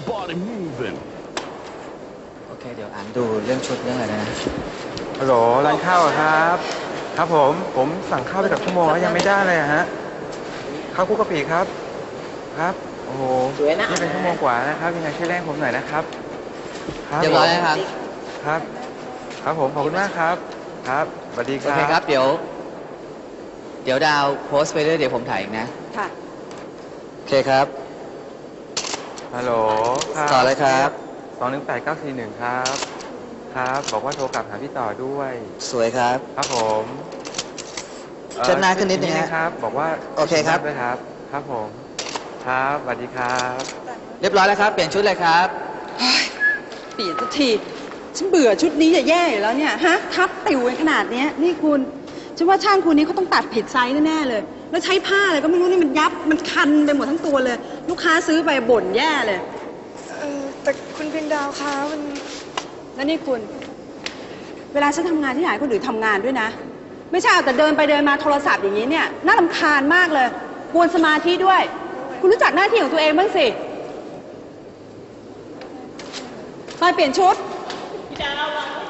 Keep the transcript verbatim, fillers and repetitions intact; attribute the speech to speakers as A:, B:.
A: your body moving
B: โอเคเดี๋ยวอ่านดูเรื่องชุดเรื่องอะไรนะ
C: ฮัลโหลร้านข้าวครับ ครับผมผมสั่งข้าวไปกับชั่วโมงแล้วยังไม่ได้เลยฮะข้าวคุกกะปิครับครับโอ้โหนี่เป็นชั่วโมงกว่านะครับยังไงช่วยแรงผมหน่อยนะครับ
B: เรียบร้อยนะครับ
C: ครับครับผมขอบคุณมากครับครับสวัสดีครับ
B: โอเคครับเดี๋ยวเดี๋ยวดาวโพสต์ไปเรื่อยเดี๋ยวผมถ่ายอีกนะ
D: ค่ะ
B: โอเคครับ
C: ฮัลโหลครับ
B: ต่อเลยครับ
C: สองหนึ่งแปดเก้าสี่หนึ่งครับครับบอกว่าโทรกลับหาพี่ต่อด้วย
B: สวยครับ
C: ครับผม
B: เชิญหน้าขึ้นนิดนึง
C: ครับบอกว่า
B: โอเคครับ
C: ด้วยครับครับผมครับสวัสดีครับ
B: เรียบร้อยแล้วครับเปลี่ยนชุดเลยครับ
D: เปลี่ยนสักทีฉันเบื่อชุดนี้จะแย่อยู่แล้วเนี่ยฮะทับติวกันขนาดนี้นี่คุณฉันว่าช่างคุณนี้เขาต้องตัดผิดไซส์แน่ๆเลยแล้วใช้ผ้าอะไรก็ไม่รู้นี่มันยับมันคันไปหมดทั้งตัวเลยลูกค้าซื้อไปบ่นแย่เลย
E: เออแต่คุณเพียงดาวคะมัน
D: แล้วนี่คุณเวลาฉันทำงานที่ไหนคนอื่นทำงานด้วยนะไม่ใช่เอาแต่เดินไปเดินมาโทรศัพท์อย่างนี้เนี่ยน่ารำคาญมากเลยกวนสมาธิด้วย คุณรู้จักหน้าที่ของตัวเองบ้างสิไปเปลี่ยนชุดพี่ดาว